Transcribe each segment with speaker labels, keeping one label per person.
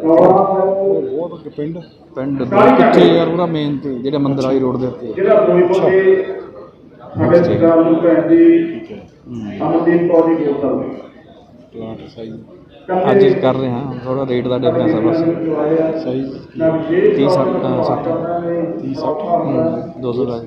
Speaker 1: ਬਹੁਤ ਪਿੰਡ ਕਿੱਥੇ ਯਾਰ ਉਹਦਾ ਮੇਨ ਤੇ ਜਿਹੜਾ ਮੰਦਰ ਵਾਲੀ ਰੋਡ ਦੇ ਉੱਤੇ
Speaker 2: ਸਾਡੇ ਸਰਕਾਰ ਨੂੰ ਭੈਣ ਦੀ ਅਮਨਦੀਪ ਕੌਰ ਦੀ ਬੋਤਲ
Speaker 1: ਪਲਾਂਟ ਸਹੀ ਅੱਜ ਕਰ ਰਹੇ ਹਾਂ ਥੋੜਾ ਰੇਟ ਦਾ ਡਿਫਰੈਂਸ ਆ ਬਸ ਸਹੀ 30 60 200 ਦਾ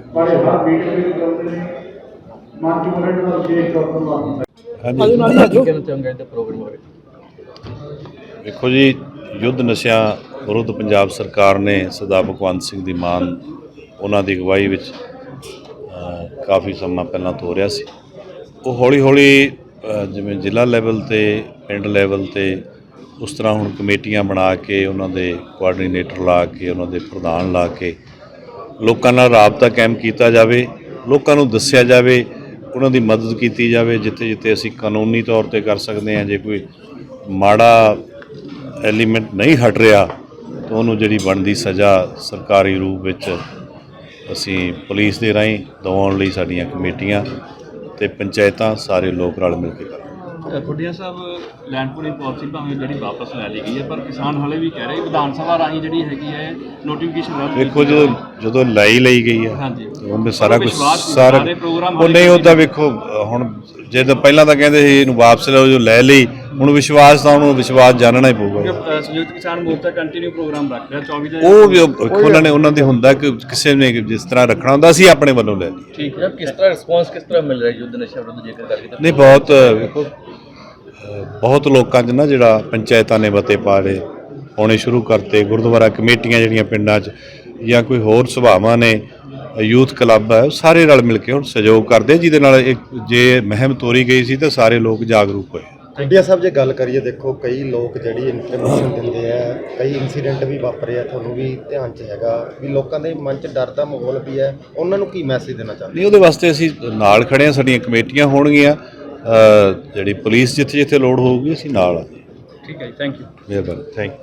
Speaker 3: ਦੇਖੋ ਜੀ युद्ध नशिਆਂ ਵਿਰੁੱਧ ਪੰਜਾਬ ਸਰਕਾਰ ਨੇ ਸਰਦਾਰ ਭਗਵੰਤ ਸਿੰਘ ਦੀ ਮਾਨ ਉਹਨਾਂ ਦੀ ਅਗਵਾਈ ਵਿੱਚ ਕਾਫੀ ਸਮਾਂ ਪਹਿਲਾਂ ਤੋਰਿਆ ਸੀ। ਉਹ ਹੌਲੀ ਹੌਲੀ ਜਿਵੇਂ ਜ਼ਿਲ੍ਹਾ ਲੈਵਲ ਤੇ ਪਿੰਡ ਲੈਵਲ ਤੇ ਉਸ ਤਰ੍ਹਾਂ ਹੁਣ ਕਮੇਟੀਆਂ ਬਣਾ ਕੇ ਉਹਨਾਂ ਦੇ ਕੋਆਰਡੀਨੇਟਰ ਲਾ ਕੇ ਉਹਨਾਂ ਦੇ ਪ੍ਰਧਾਨ ਲਾ ਕੇ ਲੋਕਾਂ ਨਾਲ ਰਾਬਤਾ ਕਾਇਮ ਕੀਤਾ ਜਾਵੇ, ਲੋਕਾਂ ਨੂੰ ਦੱਸਿਆ ਜਾਵੇ, ਉਹਨਾਂ ਦੀ ਮਦਦ ਕੀਤੀ ਜਾਵੇ ਜਿੱਥੇ ਜਿੱਥੇ ਅਸੀਂ ਕਾਨੂੰਨੀ ਤੌਰ ਤੇ ਕਰ ਸਕਦੇ ਹਾਂ। ਜੇ ਕੋਈ ਮਾੜਾ ਐਲੀਮੈਂਟ ਨਹੀਂ ਹਟ ਰਿਹਾ ਤਾਂ ਉਹਨੂੰ ਜਿਹੜੀ ਬਣਦੀ ਸਜ਼ਾ ਸਰਕਾਰੀ ਰੂਪ ਵਿੱਚ ਅਸੀਂ ਪੁਲਿਸ ਦੇ ਰਾਹੀਂ ਦਿਵਾਉਣ ਲਈ ਸਾਡੀਆਂ ਕਮੇਟੀਆਂ ਤੇ ਪੰਚਾਇਤਾਂ ਸਾਰੇ ਲੋਕ ਰਲ ਮਿਲ ਕੇ ਕਰਦੇ।
Speaker 4: Khuddian Sahib land pooling policy ਭਾਵੇਂ ਜਿਹੜੀ ਵਾਪਸ ਲੈ ਲਈ ਗਈ ਹੈ ਪਰ ਕਿਸਾਨ ਹਾਲੇ ਵੀ ਕਹਿ ਰਹੇ ਵਿਧਾਨ ਸਭਾ ਰਾਹੀਂ ਜਿਹੜੀ ਹੈਗੀ ਹੈ ਨੋਟੀਫਿਕੇਸ਼ਨ
Speaker 3: ਦੇਖੋ ਜਦੋਂ ਲਈ ਗਈ ਹੈ
Speaker 4: ਹਾਂਜੀ
Speaker 3: ਉਹਨੇ ਸਾਰਾ ਕੁਝ ਸਾਰਾ ਉਹ ਨਹੀਂ ਉਹਦਾ ਵੇਖੋ ਹੁਣ ਜਦੋਂ ਪਹਿਲਾਂ ਤਾਂ ਕਹਿੰਦੇ ਸੀ ਇਹਨੂੰ ਵਾਪਸ ਲਓ, ਜੋ ਲੈ ਲਈ ਹੁਣ ਵਿਸ਼ਵਾਸ ਤਾਂ ਉਹਨੂੰ ਵਿਸ਼ਵਾਸ ਜਾਣਨਾ ਹੀ ਪਊਗਾ।
Speaker 4: ਸੰਯੁਕਤ ਕਿਸਾਨ ਮੋਰਚਾ ਕੰਟੀਨਿਊ ਪ੍ਰੋਗਰਾਮ ਰੱਖ ਰਿਹਾ 24 ਦੇ
Speaker 3: ਉਹ ਵੀ ਉਹਨਾਂ ਦੇ ਹੁੰਦਾ ਕਿ ਕਿਸੇ ਨੇ ਜਿਸ ਤਰ੍ਹਾਂ ਰੱਖਣਾ ਹੁੰਦਾ ਅਸੀਂ ਆਪਣੇ ਵੱਲੋਂ ਲੈ ਲਈ।
Speaker 4: ਠੀਕ ਹੈ, ਕਿਸ ਤਰ੍ਹਾਂ ਰਿਸਪੌਂਸ ਕਿਸ ਤਰ੍ਹਾਂ ਮਿਲ ਰਿਹਾ ਯੁੱਧ ਨਸ਼ਾ ਵਿਰੁੱਧ ਜੇਕਰ ਕਰਕੇ
Speaker 3: ਨਹੀਂ ਬਹੁਤ ਵੇਖੋ ਬਹੁਤ ਲੋਕਾਂ 'ਚ ਨਾ ਜਿਹੜਾ ਪੰਚਾਇਤਾਂ ਨੇ ਮਤੇ ਪਾੜੇ ਪਾਉਣੇ ਸ਼ੁਰੂ ਕਰਤੇ, ਗੁਰਦੁਆਰਾ ਕਮੇਟੀਆਂ ਜਿਹੜੀਆਂ ਪਿੰਡਾਂ 'ਚ ਜਾਂ ਕੋਈ ਹੋਰ ਸਭਾਵਾਂ ਨੇ, ਯੂਥ ਕਲੱਬ ਹੈ, ਸਾਰੇ ਰਲ ਮਿਲ ਕੇ ਹੁਣ ਸਹਿਯੋਗ ਕਰਦੇ ਜਿਹਦੇ ਨਾਲ ਜੇ ਮੁਹਿੰਮ ਤੋਰੀ ਗਈ ਸੀ ਤਾਂ ਸਾਰੇ ਲੋਕ ਜਾਗਰੂਕ ਹੋਏ।
Speaker 5: ਖੁੱਡੀਆਂ ਸਾਹਿਬ ਜੇ ਗੱਲ ਕਰੀਏ ਦੇਖੋ ਕਈ ਲੋਕ ਜਿਹੜੀ ਇਨਫੋਰਮੇਸ਼ਨ ਦਿੰਦੇ ਆ, ਕਈ ਇਨਸੀਡੈਂਟ ਵੀ ਵਾਪਰੇ ਆ, ਤੁਹਾਨੂੰ ਵੀ ਧਿਆਨ 'ਚ ਹੈਗਾ ਵੀ ਲੋਕਾਂ ਦੇ ਮਨ 'ਚ ਡਰ ਦਾ ਮਾਹੌਲ ਵੀ ਹੈ, ਉਹਨਾਂ ਨੂੰ ਕੀ ਮੈਸੇਜ ਦੇਣਾ ਚਾਹੁੰਦੇ?
Speaker 3: ਨਹੀਂ ਉਹਦੇ ਵਾਸਤੇ ਅਸੀਂ ਨਾਲ ਖੜੇ ਹਾਂ, ਸਾਡੀਆਂ ਕਮੇਟੀਆਂ ਹੋਣਗੀਆਂ, ਜਿਹੜੀ ਪੁਲਿਸ ਜਿੱਥੇ ਜਿੱਥੇ ਲੋੜ ਹੋਊਗੀ ਅਸੀਂ ਨਾਲ।
Speaker 4: ਠੀਕ ਹੈ ਜੀ, ਥੈਂਕ ਯੂ।
Speaker 3: ਮਿਹਰਬਾਨੀ, ਥੈਂਕ ਯੂ।